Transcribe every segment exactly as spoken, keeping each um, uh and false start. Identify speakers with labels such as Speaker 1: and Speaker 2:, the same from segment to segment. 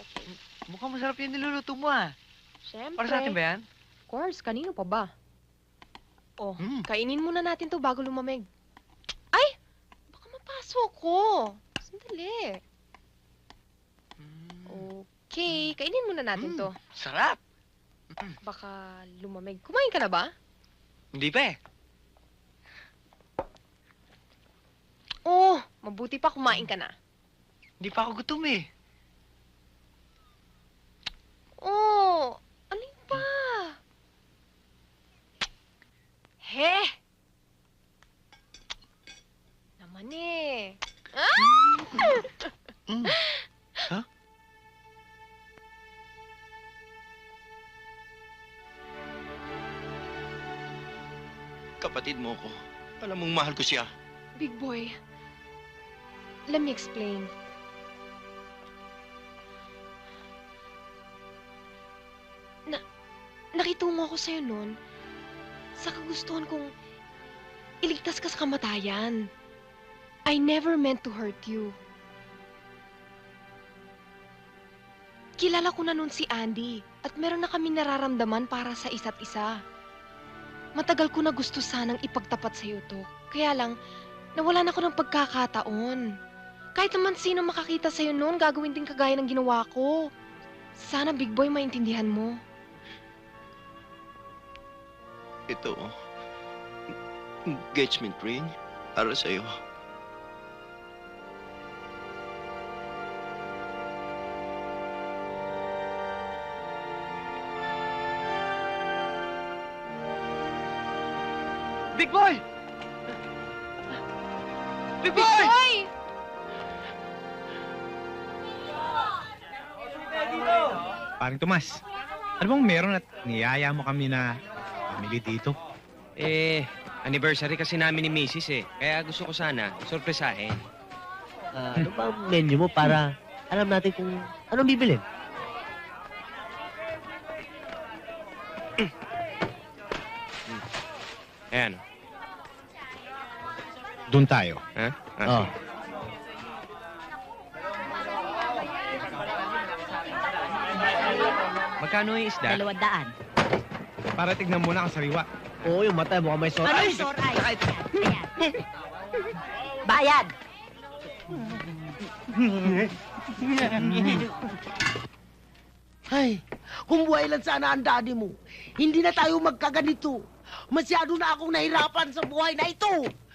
Speaker 1: Okay.
Speaker 2: Mukhang masarap yung niluluto mo ah.
Speaker 1: Siyempre.
Speaker 2: Para sa atin ba yan?
Speaker 1: Of course, kanino pa ba? Oh,
Speaker 2: Mm.
Speaker 1: kainin muna natin to bago lumamig. Ay! Baka mapasok ko. Sandali. Okay, kainin muna natin
Speaker 2: Mm.
Speaker 1: to.
Speaker 2: Sarap!
Speaker 1: Baka lumamig. Kumain ka na ba?
Speaker 2: Hindi pa eh.
Speaker 1: Oh, mabuti pa kumain ka na.
Speaker 2: Hindi pa ako gutom eh.
Speaker 1: Oh, alin pa? He! Naman eh. Ah!
Speaker 2: Mm. Ha? Kapatid mo ko. Alam mong mahal ko siya.
Speaker 1: Big boy, let me explain. Na, nakitungo ako sa'yo noon sa kagustuhan kong iligtas ka sa kamatayan. I never meant to hurt you. Kilala ko na noon si Andy at meron na kami nararamdaman para sa isa't isa. Matagal ko na gusto sanang ipagtapat sa'yo to. Kaya lang, nawalan ako ng pagkakataon. Kahit naman sino makakita sa'yo noon, gagawin din kagaya ng ginawa ko. Sana, Big Boy, maintindihan mo.
Speaker 2: Ito, engagement ring para sa'yo. Big Boy! Big Boy!
Speaker 1: Big Boy!
Speaker 3: Paring Tomas, ano bang meron at niyaya mo kami na pamili dito?
Speaker 4: Eh, anniversary kasi namin ni Missus eh. Kaya gusto ko sana, sorpresahin.
Speaker 5: Ah, ano ba ang menu mo para alam natin kung anong bibilin?
Speaker 4: Ayan.
Speaker 3: Doon tayo.
Speaker 4: Ha? Ah,
Speaker 5: Oh.
Speaker 4: Magkano yung isda?
Speaker 6: Dalawang daan.
Speaker 3: Para tignan mo na ang sariwa.
Speaker 5: Oo, yung mata mukhang may sore.
Speaker 6: Ano
Speaker 5: Ay!
Speaker 6: yung sore eyes? Ayan. Bayad!
Speaker 7: Ay, kung buhay lang sana ang daddy mo, hindi na tayo magkaganito. Masyado na akong nahirapan sa buhay na ito.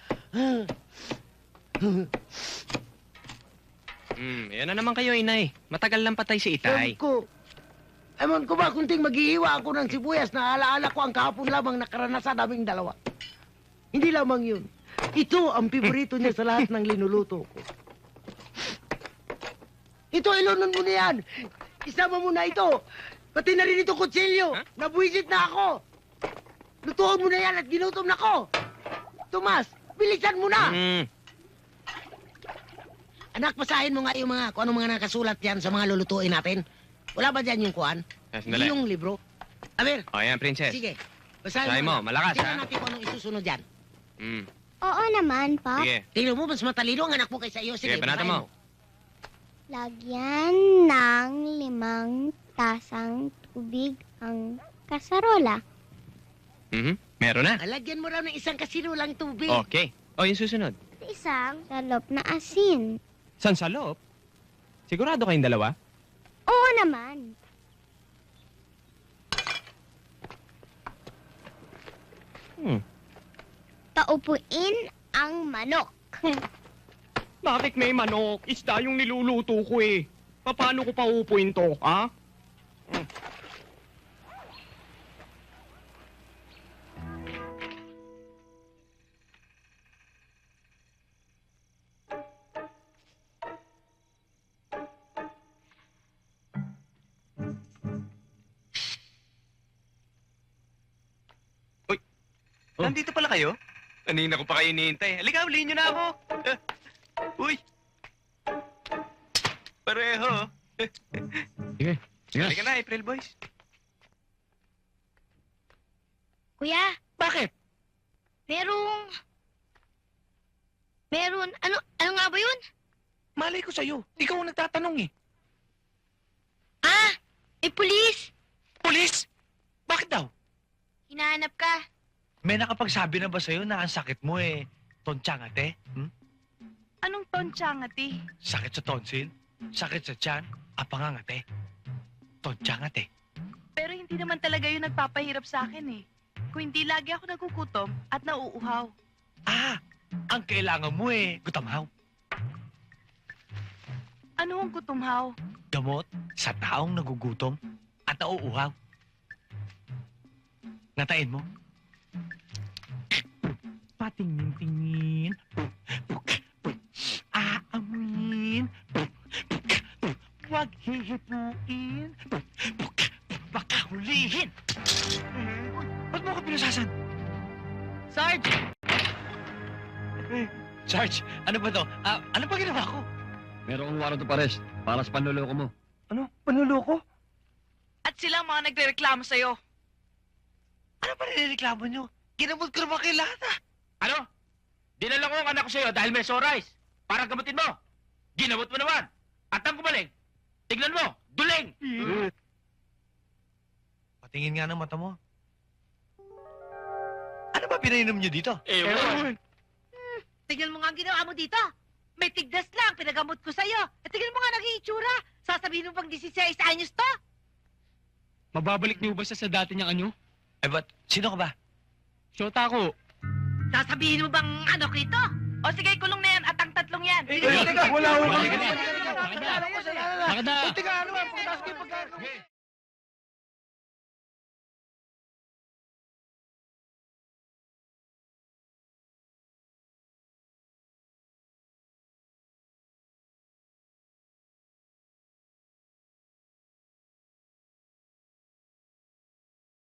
Speaker 4: Hmm, yan na naman kayo, inay. Matagal lang patay si
Speaker 7: Ewan
Speaker 4: Itay.
Speaker 7: ko. Ewan ko ba kung ting maghihiwa ako ng sibuyas na alaala ko ang kahapon lamang nakaranasan naming dalawa. Hindi lamang yun. Ito ang piborito niya sa lahat ng linuluto ko. Ito, ilunon mo na yan. Isama mo na ito. Pati na rin ito kutsilyo.
Speaker 4: Huh?
Speaker 7: Nabuisit na ako. Lutuan mo na yan at ginutom na ko. Tomas, bilisan mo na.
Speaker 4: Hmm,
Speaker 7: Anak, basahin mo nga yung mga, kung ano mga nakasulat yan sa mga lulutuin natin. Wala ba dyan yung kuan?
Speaker 4: ah, sandali.
Speaker 7: Yung libro? A ver,
Speaker 4: O, yan, princess.
Speaker 7: sige. Basahin
Speaker 4: Basahin mo,
Speaker 7: na.
Speaker 4: malakas,
Speaker 7: Tingnan
Speaker 4: ha?
Speaker 7: natin kung anong isusunod dyan.
Speaker 4: Hmm,
Speaker 8: Oo naman, Pa.
Speaker 4: sige.
Speaker 7: Tingnan mo, mas matalino ang anak mo kaysa iyo. Sige,
Speaker 4: Sige, banatan
Speaker 7: basahin
Speaker 4: mo.
Speaker 8: Lagyan ng limang tasang tubig ang kasarola.
Speaker 4: Mhm, meron na.
Speaker 7: Alagyan mo raw ng isang kasinulang tubig.
Speaker 4: Okay. O, yung susunod.
Speaker 8: Isang salop na asin.
Speaker 3: San sa loob? Sigurado kayong dalawa?
Speaker 8: Oo naman.
Speaker 3: Hmm.
Speaker 8: Taupuin ang manok.
Speaker 9: Bakit may manok? Isda yung niluluto ko eh. Paano ko paupuin to, ha?
Speaker 4: Oh. Nandito pala kayo? Kanina ko pa kayo hinihintay. Halika, ulihin nyo na ako. Eh, Uy! Pareho.
Speaker 3: Sige, sige.
Speaker 4: Halika na, April Boys.
Speaker 8: Kuya,
Speaker 7: Bakit?
Speaker 8: merong... Meron... Ano, ano nga ba yun?
Speaker 9: Malay ko sa'yo. Ikaw ang nagtatanong eh.
Speaker 8: Eh, pulis!
Speaker 4: Pulis? Bakit daw?
Speaker 8: Hinahanap ka.
Speaker 4: May nakapagsabi na ba sa'yo na ang sakit mo eh, tonsyangate? Hmm?
Speaker 6: Anong tonsyangati?
Speaker 4: Sakit sa tonsil? Sakit sa tiyan? Apangangate? Tonsyangate?
Speaker 6: Pero hindi naman talaga yun nagpapahirap sa akin eh. Kung hindi lagi ako nagugutom at nauuhaw.
Speaker 4: Ah, ang kailangan mo eh, gutamhaw.
Speaker 6: Ano ang gutumhaw?
Speaker 4: Gamot sa taong nagugutom at nauuhaw. Natain mo? Patingin-tingin. Aamuin. Huwag hihipuin. Baka hulihin. Ba't mo ko pinasasan?
Speaker 6: Sarge!
Speaker 4: Sarge, ano ba to? Ah, ano ba ginawa ko?
Speaker 10: Meron kong warrant of arrest para sa panluloko mo.
Speaker 4: Ano? Panluloko?
Speaker 6: At sila ang mga nagre-reklamo sa'yo.
Speaker 4: Ano ba nireklamo nyo? Ginamot ko naman kayo lahat ah.
Speaker 9: Ano? Dinala ko ang anak ko sa'yo dahil may sore eyes. Para gamutin mo. Ginamot mo naman. At ang gumaling, tignan mo, duling!
Speaker 4: Patingin nga ng mata mo. Ano ba pinainom nyo dito?
Speaker 9: Ewan.
Speaker 6: Tignan mo nga ang ginawa mo dito. May tigdas lang, pinagamot ko sa'yo. At tignan mo nga naging itsura. Sasabihin mo bang sixteen anyos to?
Speaker 9: Mababalik niyo ba siya sa dati niyang anyo?
Speaker 4: Eh, ba't? Sino ka ba?
Speaker 9: Shota ko.
Speaker 6: Sasabihin mo bang ano kito? O sige, kulong na yan at ang tatlong yan.
Speaker 3: Wala, wala.
Speaker 9: Bakit na? Bakit na?
Speaker 3: Teka, ano ba? Pagkasok yung pagkano.